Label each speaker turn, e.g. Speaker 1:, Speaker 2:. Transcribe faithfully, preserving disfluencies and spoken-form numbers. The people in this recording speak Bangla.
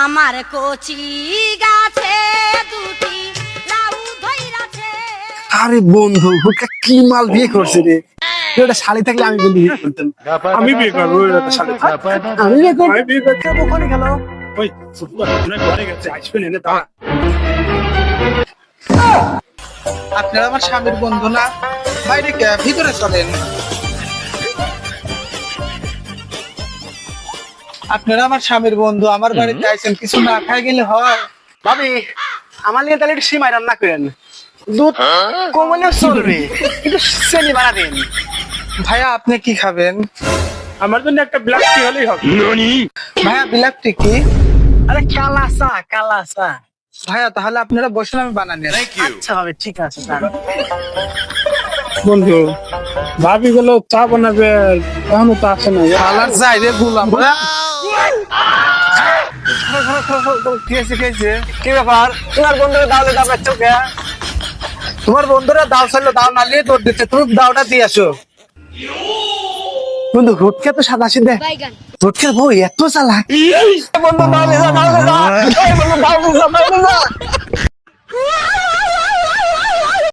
Speaker 1: আমার কচি গাছে দুটি লাউ ধইরাছে।
Speaker 2: আরে বন্ধু ওকে কি মাল বিয়ে করছে রে, ওটা শালি থাকলে আমি বন্ধু বিয়ে করতাম।
Speaker 3: আমি বিয়ে করবো ওটা শালি
Speaker 2: আমি বিয়ে করবো।
Speaker 3: আমি বিয়ে করতে
Speaker 2: ওখানে গেল
Speaker 3: ওই ফুটবল ঘরে গেছে আসবেন এনে তা
Speaker 4: আপনারা আমার স্বামীর বন্ধু না, বাইরে কে- ভিতরে চলেন। আপনারা আমার স্বামীর বন্ধু, আমার বাড়িতে আইছেন, কিছু না খাই গেলে হয়?
Speaker 2: ভাবি আমার নিয়ে তাহলে একটু সিমাই রান্না করেন, দুধ কমলেও চলবে কিন্তু চেনি বাড়া দেন।
Speaker 4: ভাইয়া আপনি কি খাবেন?
Speaker 3: আমার জন্য একটা ব্ল্যাক টি হলেই হবে।
Speaker 4: ভাইয়া বিলাপটি কি?
Speaker 2: আরে কালা চা, কালা চা।
Speaker 4: ভাইয়া তাহলে আপনারা বসুন, আমি বানানি।
Speaker 2: আচ্ছা হবে, ঠিক আছে দাঁড়ান।
Speaker 3: বন্ধু ভাবি গুলো চা বানাবে এখনো তো আসে না।
Speaker 4: কালার যাই রে গুলাম।
Speaker 2: খেয়েছে খেয়েছে কি ব্যাপার, তোমার বন্ধুরা দাওলে দাও পাচ্ছ কে?
Speaker 4: তোমার বন্ধুরা দাও চাইলো দাও না নিয়ে দৌড় দিচ্ছে, তুমি দাওটা দিয়ে আসো।
Speaker 2: বন্ধু ঘুটকে তো সাদা সিধে, ঘুটকে বউ এত চালাক। বন্ধু দাওলে দাও